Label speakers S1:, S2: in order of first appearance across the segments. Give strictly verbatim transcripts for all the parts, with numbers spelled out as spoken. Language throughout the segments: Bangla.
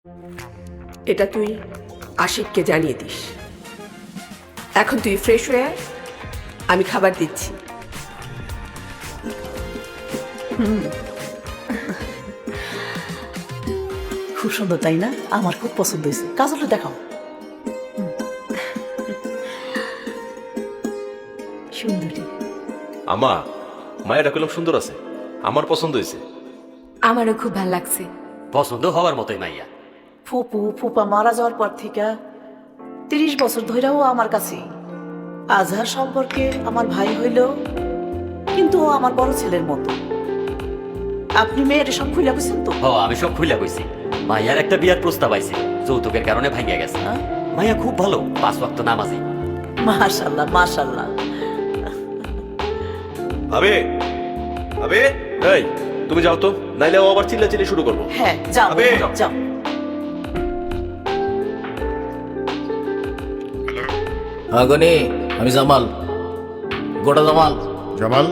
S1: এটা তুই আশিককে জানিয়ে দিস। এখন তুই ফ্রেশ হয়ে আয়, আমি খাবার দিচ্ছি।
S2: খুব সুন্দর তাই না? আমার খুব পছন্দ হয়েছে। কাজলটা দেখাও। সুন্দরী।
S3: আমা মায়েরা কলম সুন্দর আছে, আমার পছন্দ হয়েছে।
S4: আমারও খুব ভালো লাগছে।
S5: পছন্দ হওয়ার মতোই মাইয়া।
S2: ফুপু ফুপা মারা যাওয়ার পর থেকে তিরিশ বছর ধরেও আমার কাছে। আজহার সম্পর্কে আমার ভাই হইল, কিন্তু ও আমার বড় ছেলের মতো। আপনি মেয়ের সব খুলে বুঝছেন তো?
S5: হ, আমি সব খুইলা কইছি। মাইয়ার একটা বিয়ার প্রস্তাব আইছে, যৌতুকের কারণে ভাঙ্গিয়া গেছে।
S2: হ্যাঁ?
S5: মাইয়া খুব ভালো, পাঁচ ওয়াক্ত নামাজি।
S2: মাশাল্লাহ মাশাল্লাহ।
S3: আবে আবে এই তুমি যাও তো, নাইলে ও আবার চিল্লাচিল্লি শুরু করবো।
S2: হ্যাঁ যাও
S3: আবে।
S2: যাও।
S6: হ্যাঁ গনি, আমি জামাল, গোটা জামাল।
S7: জামাল,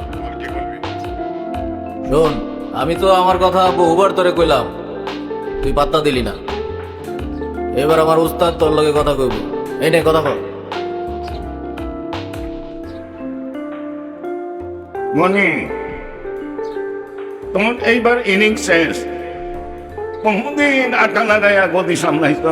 S6: শোন, আমি তো আমার কথা বহুবার তোরে কইলাম, তুই পাত্তা দিলি না। এবার আমার উস্তাদ তোর লগে কথা কইব। এই নে কথা কর।
S7: মনি, তোমার এইবার ইনিংস শেষ। বহুদিন আটা লাগাইয়া গদি সামলাইছ,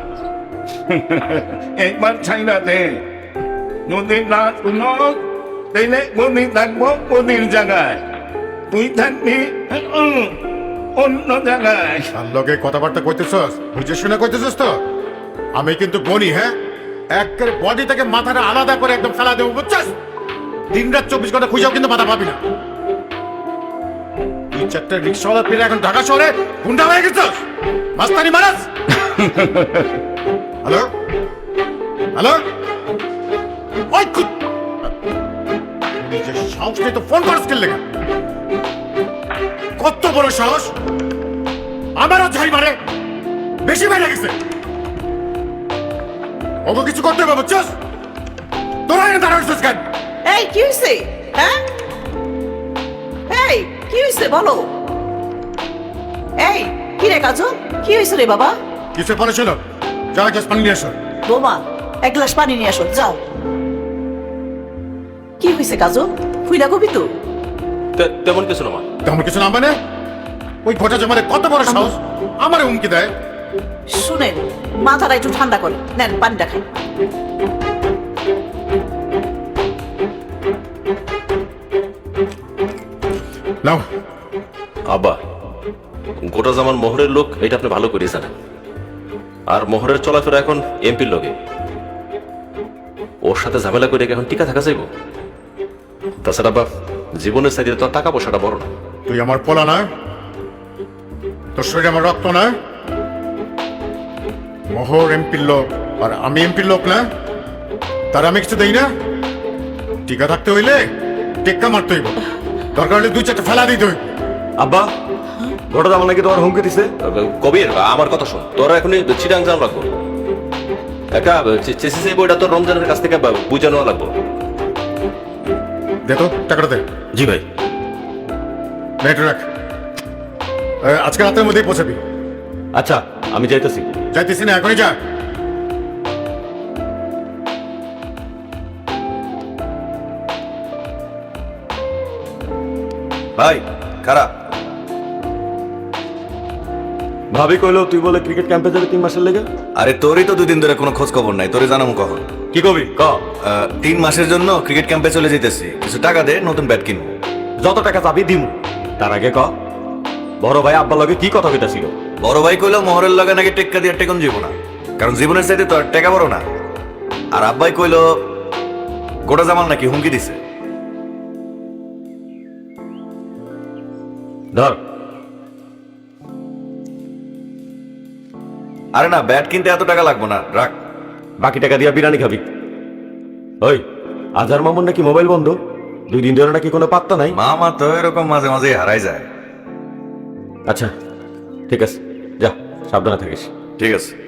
S7: একবার ছাইরা দে। যদি না শুনো তাইলে গদি থাকবো গদির জায়গায়, তুই থাকবি উম, অন্য জায়গায়।
S8: তার লগে কথাবার্তা কইতেছস, বুঝে শুনে কইতেছস তো? আমি কিন্তু বনি, হ্যাঁ, একের বডি থেকে মাথাটা আলাদা করে একদম ফেলা দেবো, বুঝছস? দিন রাত চব্বিশ ঘন্টা খুঁজাও কিন্তু মাথা পাবি না। তুই চারটে রিক্সাওয়ালা পেরে এখন ঢাকা শহরে গুন্ডা হয়ে গেছস, মাস্তানি মারাস। হ্যালো হ্যালো, ওই কুত- নিজের সাহস নিয়ে তো ফোন করস কেন? কত বড় সাহস! আমারও ঝাড়ি মারে, বেশি বাইরে গেছে। ওকে কিছু করতে হবে, বুঝছস? তোরা এনে দাঁড়াচ্ছিস কেন?
S2: এই কি হয়েছে? হ্যাঁ এই কি হয়েছে বলো। এই কি রে কাজল, কি হয়েছে রে বাবা?
S8: কিছু পরে ছিল, যা গ্যাস পানি নিয়ে আসো।
S2: বোমা, এক গ্লাস পানি নিয়ে আসো, যাও। কি হয়েছে কাজল? ফুইলা কবি তো?
S3: তে- তেমন কিছু না মা।
S8: তেমন কিছু না মানে? ওই ঘটা জমারে কত বড় সাহস আমারে হুমকি দেয়।
S2: শুনেন, মাথাটা একটু ঠান্ডা করে নেন, পানিটা খাই।
S8: নাও।
S3: আব্বা, গোটা জামান মোহরের লোক, এটা আপনি ভালো করে জানেন। আর মোহরের চলাফেরা এখন এমপির লোকে, ওর সাথে ঝামেলা করে এখন টিকা থাকা যাইব? তাছাড়া বা জীবনের চাইতে তো আর টাকা পয়সাটা বড় না।
S8: তুই আমার পোলা না, তোর শরীরে আমার রক্ত না। মোহর এমপির লোক আর আমি এমপির লোক না, তার আমি কিছু দেই না। টিকা থাকতে হইলে টেক্কা মারতে হইব, দরকার হলে দুই চারটা ফেলা দিতে হইব।
S3: আব্বা, গোটা জামান নাকি তোমার হুমকি দিছে? কবির, আমার কথা শোন, তোরা এখনই চিটাং জান লাগবো। একটা চেসিস এই বইটা তোর রমজানের কাছ থেকে বুঝে নেওয়া লাগবো।
S8: দে তো টাকাটা দে।
S3: জি ভাই।
S8: নেট রাখ, এ, আজকে রাতের মধ্যেই পৌঁছাবি।
S3: আচ্ছা, আমি যাইতেছি।
S8: যাইতেছি না, এখনই যা।
S3: ভাই খারাপ ভাবি কইলো তুই বলে ক্রিকেট ক্যাম্পে যাবে তিন মাসের লেগে।
S9: আরে তোরই তো দুদিন ধরে কোনো খোঁজ খবর নাই, তোরে জানাবো কখন?
S3: কি কবি ক?
S9: আহ, তিন মাসের জন্য ক্রিকেট ক্যাম্পে চলে যেতেছি, কিছু টাকা দে, নতুন ব্যাট কিনবো।
S3: যত টাকা চাবি দিম। তার আগে ক, বড় ভাই আব্বার লগে কি কথা কইতাছিল?
S9: বড় ভাই কইলো মোহরের লগে নাকি টেক্কা দিয়ে টেকন যাবো না, কারণ জীবনের চাইতে তো আর টেকা বড় না। আর আব্বাই কইলো গোটা জামাল নাকি হুমকি দিছে।
S3: ধর।
S9: আরে না, ব্যাট কিনতে এত টাকা লাগবো না, রাখ।
S3: বাকি টাকা দিয়া বিরিয়ানি খাবি। ওই আজহার মামুন নাকি মোবাইল বন্ধ, দুই দিন ধরে নাকি কোনো পাত্তা নাই।
S9: মামা তো এরকম মাঝে মাঝে হারাই যায়।
S3: আচ্ছা ঠিক আছে, যা সাবধানে থাকিস।
S9: ঠিক আছে।